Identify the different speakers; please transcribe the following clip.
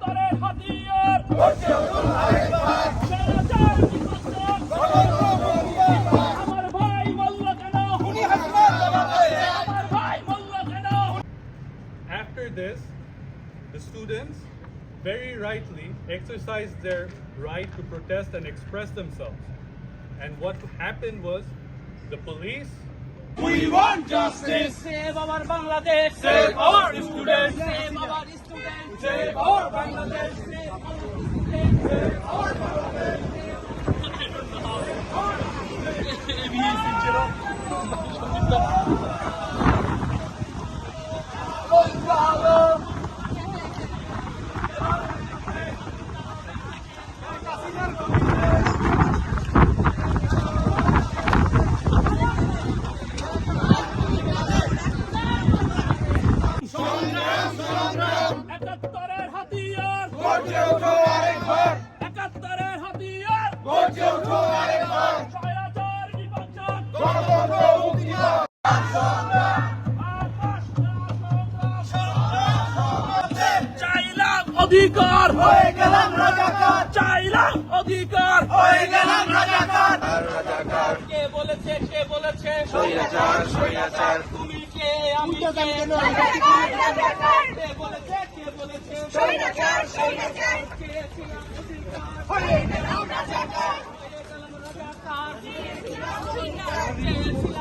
Speaker 1: একাত্তরের হাতিয়ার আমার ভাই মল্ল কেন আমার ভাই মল্ল কেন
Speaker 2: After this, the students very rightly exercised their right to protest and express themselves. And what happened was the police
Speaker 1: We want justice. Save our Bangladesh. Save our students. Save our students. Save our Bangladesh. Save our students. Save our Bangladesh. একাত্তরের হাতিয়ার
Speaker 3: গর্জে ওঠো আরেকবার,
Speaker 1: একাত্তরের হাতিয়ার
Speaker 3: গর্জে ওঠো আরেকবার,
Speaker 1: স্বৈরাচার বিপক্ষার
Speaker 3: গণতন্ত্র মুক্তি দাও।
Speaker 1: চাইলাম অধিকার
Speaker 3: হয়ে গেলাম রাজাকার,
Speaker 1: চাইলাম অধিকার
Speaker 3: হয়ে গেলাম রাজাকার।
Speaker 1: কে বলেছে
Speaker 3: স্বৈরাচার, স্বৈরাচার,
Speaker 1: তুমি কে আমি কে কে বলেছে
Speaker 4: স্বৈরাচার, স্বৈরাচার,
Speaker 1: কে ছিলাম অধিকার
Speaker 4: হয়ে গেলাম রাজাকার,
Speaker 1: হয়ে গেলাম রাজাকার
Speaker 4: ছিলাম
Speaker 1: কে ছিলাম